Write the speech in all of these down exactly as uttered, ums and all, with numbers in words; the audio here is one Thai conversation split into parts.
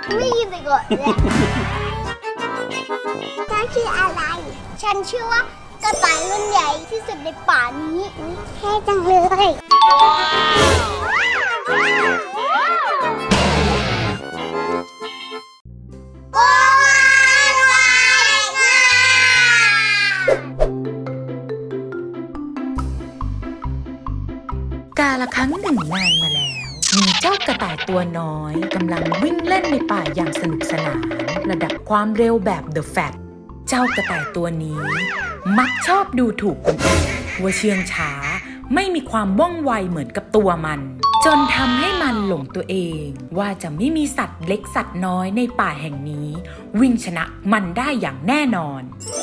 ไม่ยินไปก่อนเลยฉันชื่ออะไรฉันชื่อว่ากระต่ายรุ่นใหญ่ที่สุดในป่านี้แค่จังเลยกาละครั้งหนึ่งนานมาแล้วมีเจ้ากระต่ายตัวน้อยกำลังวิ่งเล่นในป่าอย่างสนุกสนานระดับความเร็วแบบ The Fat เจ้ากระต่ายตัวนี้มักชอบดูถูกคนอื่นว่าเชื่องช้าไม่มีความว่องไวเหมือนกับตัวมันจนทำให้มันหลงตัวเองว่าจะไม่มีสัตว์เล็กสัตว์น้อยในป่าแห่งนี้วิ่งชนะมันได้อย่างแน่นอน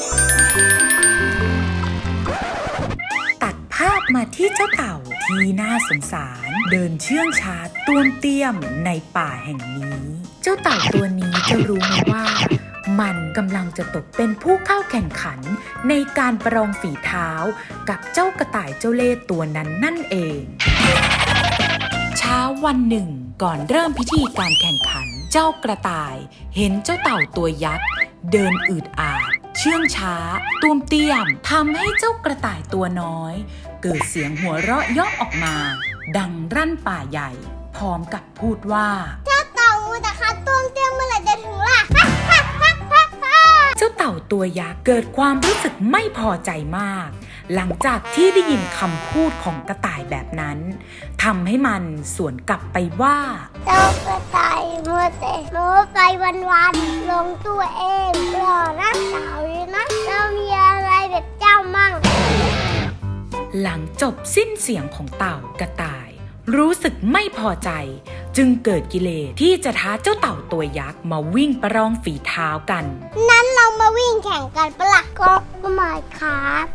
ภาพมาที่เจ้าเต่าที่น่าสงสารเดินเชื่องช้าต้วมเตี้ยมในป่าแห่งนี้เจ้าเต่าตัวนี้จะรู้ไหมว่ามันกำลังจะตกเป็นผู้เข้าแข่งขันในการประลองฝีเท้ากับเจ้ากระต่ายเจ้าเล่ห์ตัวนั้นนั่นเองเช้าวันหนึ่งก่อนเริ่มพิธีการแข่งขันเจ้ากระต่ายเห็นเจ้าเต่าตัวยักษ์เดินอืดอาดเชื่องช้าต้วมเตี้ยมทำให้เจ้ากระต่ายตัวน้อยเกิดเสียงหัวเราะเยาะออกมาดังรั่นป่าใหญ่พร้อมกับพูดว่าเจ้าเต่าแต่ขาต้วมเตี้ยมเมื่อไหร่จะถึงล่ะเจ้าเต่าตัวยักษ์เกิดความรู้สึกไม่พอใจมากหลังจากที่ได้ยินคำพูดของกระต่ายแบบนั้นทำให้มันสวนกลับไปว่าเจ้ากระต่ายมัวแต่โม้ไปวันๆลงตัวเองหล่อนะสาวเลยนะเรามีอะไรแบบเจ้ามั่งหลังจบสิ้นเสียงของเต่ากระต่ายรู้สึกไม่พอใจจึงเกิดกิเลสที่จะท้าเจ้าเต่าตัวยักษ์มาวิ่งประลองฝีเท้ากันนั้นเรามาวิ่งแข่งกันปะล่ะก็มาครับ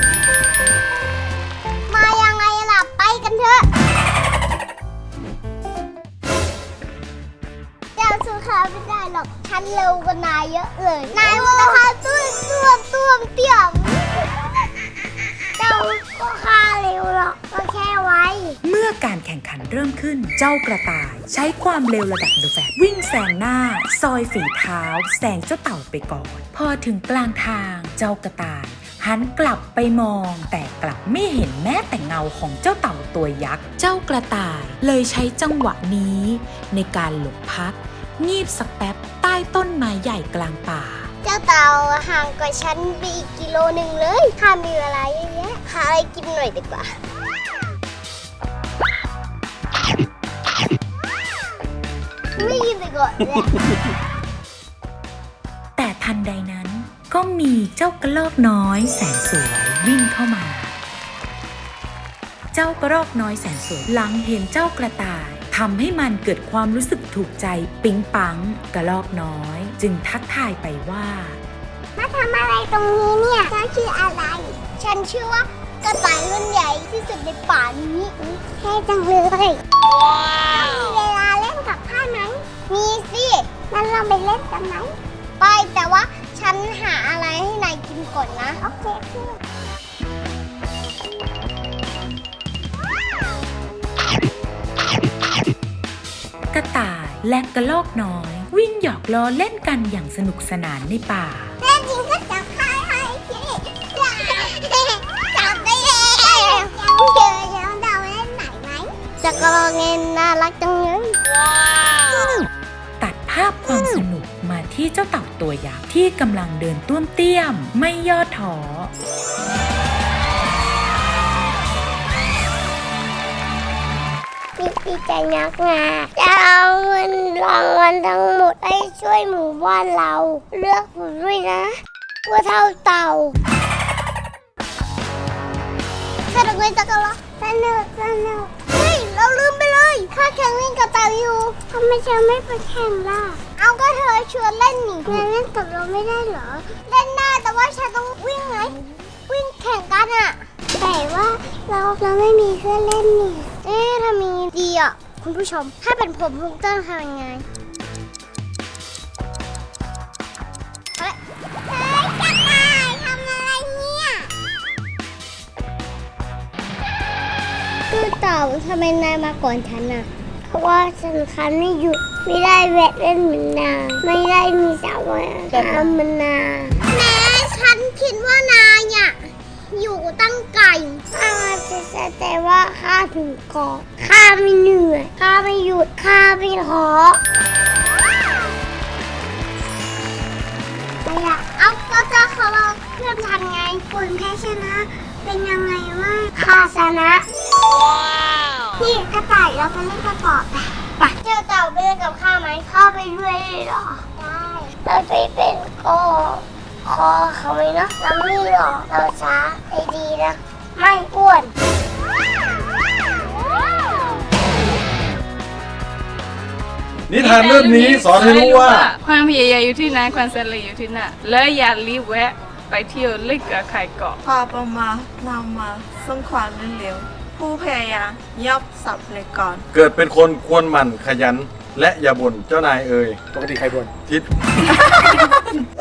มายังไงล่ะไปกันเถอะเจ้าสู้ข้าไม่ได้หรอกฉันเร็วกว่านายเยอะเลยนายว่าข้าตุ้มตุ้มตุ้มเตี้ยมเจ้าก็ข้าเร็วหรอกก็แค่ไว้เมื่อการแข่งขันเริ่มขึ้นเจ้ากระต่ายใช้ความเร็วระดับ The Fat วิ่งแซงหน้าซอยฝีเท้าแซงเจ้าเต่าไปก่อนพอถึงกลางทางเจ้ากระต่ายหันกลับไปมองแต่กลับไม่เห็นแม้แต่เงาของเจ้าเต่าตัวยักษ์เจ้ากระต่ายเลยใช้จังหวะนี้ในการหลบพักงีบสักแป๊บใต้ต้นไม้ใหญ่กลางป่าเจ้าเต่าห่างกว่าฉันไปอีกกิโลหนึ่งเลยข้ามีเวลาเยอะแยะหาอะไรกินหน่อยดีกว่าไม่ยินไปก่อนเลยแต่ทันใดนั้นก็มีเจ้ากระรอกน้อยแสนสวยวิ่งเข้ามาเจ้ากระรอกน้อยแสนสวยหลังเห็นเจ้ากระต่ายทำให้มันเกิดความรู้สึกถูกใจปิ๊งปังกระรอกน้อยจึงทักทายไปว่ามาทำอะไรตรงนี้เนี่ยฉันชื่ออะไรฉันชื่อว่ากระต่ายรุ่นใหญ่ที่สุดในป่านี้แค่จังเลยมีเวลาเล่นกับข้าไหมมีสิงั้นเราไปเล่นกันไหมไปแต่ว่าฉันหาอะไรให้นายกินก่อนนะโอเคคือกระต่ายและกระรอกน้อยวิ่งหยอกล้อเล่นกันอย่างสนุกสนานในป่าเล่นจริงก็จับข้าให้ทีจับได้แล้วเจอแล้วเราเล่นไหนไหมจะกระรอกเงินน่ารักจังเลยตัดภาพความสนุกมาที่เจ้าเต่าตัวยักษ์ที่กำลังเดินต้วมเตี้ยมไม่ย่อท้อดีใจนักงาจะเอาเงินรางวัลทั้งหมดให้ช่วยหมู่บ้านเราเลือกผมด้วยนะว่าเท่าเต่าสนุกไหมจ๊ะกันละสนุกสนุกเฮ้ยเราลืมไปเลยข้าแข่งวิ่งกับเต่าอยู่ทำไมเธอไม่ไปแข่งล่ะเอาก็เธอชวนเล่นนี่งั้นเล่นกับเราไม่ได้เหรอเล่นได้แต่ว่าฉันต้องวิ่งไงวิ่งแข่งกันอะแต่ว่าเราเราไม่มีเพื่อนเล่นนี่เอ๊ะถ้ามีดีอ่ะคุณผู้ชมถ้าเป็นผมผมต้องทำยังไงเฮ้ยเฮ้ยกระต่ายทำอะไรเนี่ยคือเต่าทำไมนายมาก่อนฉันน่ะเพราะว่าฉันคันไม่หยุดไม่ได้แวะเล่นเหมือนนางไม่ได้มีสาวว่ายน้ำเหมือนนางแม้ฉันคิดว่านายอ่ะอยู่ตั้งไกลข้าจะแสดงว่าข้าถึงเกาะข้าไม่เหนื่อยข้าไม่หยุดข้าไม่ท้อไม่อยากเอาก็จะขอลองเพื่อนทันไงคนแพ้ชนะเป็นยังไงวะข้าชนะนี่กระต่ายเราไปเล่นกระต่ายไปเจ้าเต่าไปเล่นกับข้าไหมข้าไปด้วยเลยเหรอได้เราไปเป็นก็คอเขาไหมเนาะเราไม่หรอกเราช้าไอ้ดีนะไม่อ้วนนิทานเรื่องนี้สอนให้รู้ว่าความพยายามอยู่ที่ไหนความสำเร็จอยู่ที่นั่นและอย่ารีบแวะไปเที่ยวเล่นกับใครก่อนพอประมาณนำมาซึ่งความรวดเร็วผู้พยายามย่อมสำเร็จก่อนเกิดเป็นคนควรหมั่นขยัน และอย่าบ่นเจ้านายเอ่ยปกติใครบ่นทิศ